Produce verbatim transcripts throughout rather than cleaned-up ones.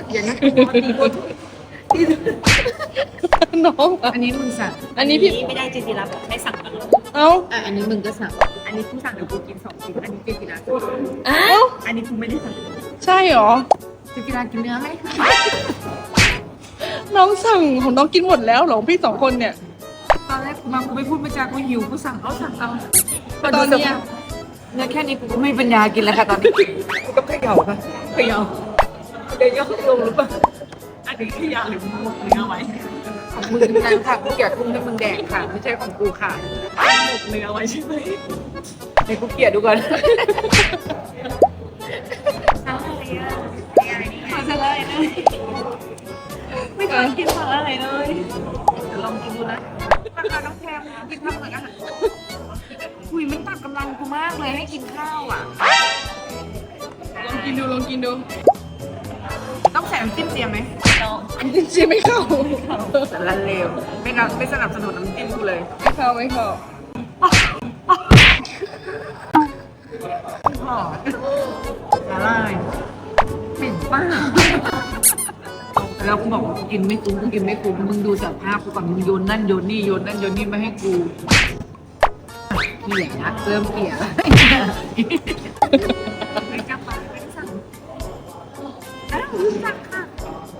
อย่างนั้นน้องอันนี้มึงสั่งอันนี้พี่ไม่ได้เจจิราบอกให้สั่งตลอดเอ้าอ่ะอันนี้มึงก็สั่งอันนี้กูสั่งเดี๋ยวกูกินสองชิ้นอันนี้เจกิราสั่งเอ้าอันนี้กูไม่ได้สั่งใช่เหรอเจกิรากินเนื้อไหมน้องสั่งของน้องกินหมดแล้วเหรอพี่สองคนเนี่ยตอนแรกกูมากูไม่พูดไม่จากูหิวกูสั่งเอาสั่งเอาแต่ตอนเนี้ยเนี่ยแค่นี้กูก็ไม่มีปัญญากินแล้วค่ะตอนนี้กูก็เขย่าค่ะเขย่าเดี๋ยวย่อลงหรือเปล่าอันนี้เขย่าหรือมึงหมดเนื้อไว้ของมึงนั่นค่ะกูเกลียดกุ้งให้มึงแดกค่ะไม่ใช่ของกูค่ะหมกเนื้อไว้ใช่ไหมเดี๋ยวกูเกลียดดูก่อนขอสลายเลยไม่เคยกินสลายเลยเดี๋ยวลองกินดูนะราคาต้องแพงกินทำเหมือนอาหารคุยมันตัดกำลังกูมากเลยให้กินข้าวอ่ะลองกินดูลองกินดูต้องใส่น้ำจิ้มเจียมไหมน้องอันนี้ชิมไม่เข้าแต่ละเลวไม่นับไม่สนับสนุนน้ำจิ้มกูเลยไม่เข้าไม่เข้าหอมละลายเหม็นป้าแล้วกูบอกว่ากูกินไม่คุ้มกูกินไม่คุ้มมึงดูสภาพกูก่อนมึงโยนนั่นโยนนี่โยนนั่นโยนนี่มาให้กูเกลี่ยนะเริ่มเกลี่ยแล้วไม่กล้าไปไม่ได้สั่งอ้าวสั่งค่ะ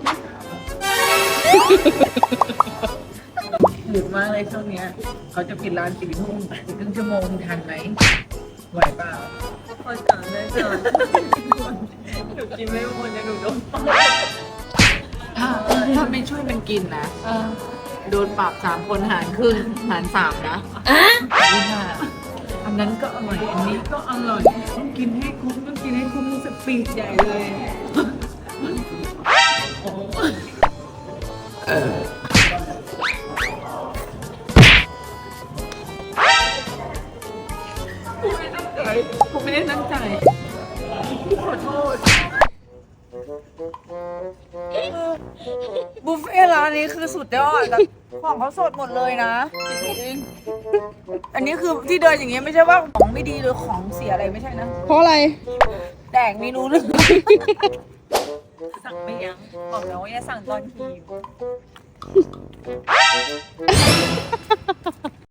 หยุดมากเลยช่วงเนี้ยเขาจะปิดร้านสี่ทุ่มอีกครึ่งชั่วโมงทันไหมไหวเปล่าพอสั่งได้เจอหนูกินไม่หมดจะหนูโดนปรับถ้าถ้าไม่ช่วยมันกินนะอ่าโดนปรับสามคนหารครึ่งหารสามนะนี่ค่ะอันนั้นก็อร่อยอันนี้ก็อร่อยต้องกินให้คุ้มต้องกินให้คุ้มสปีดใหญ่เลยโอ้เออกูไม่ได้ตั้งใจกูขอโทษบุฟเฟ่ร้านนี้คือสุดยอดแต่ของเขาสดหมดเลยนะ อันนี้คือที่เดินอย่างเงี้ยไม่ใช่ว่าของไม่ดีหรือของเสียอะไรไม่ใช่นะเพราะอะไรแดกเมนูนึงสั่งไม่ยั้งบอกแล้วว่าอย่าสั่งตอนหิว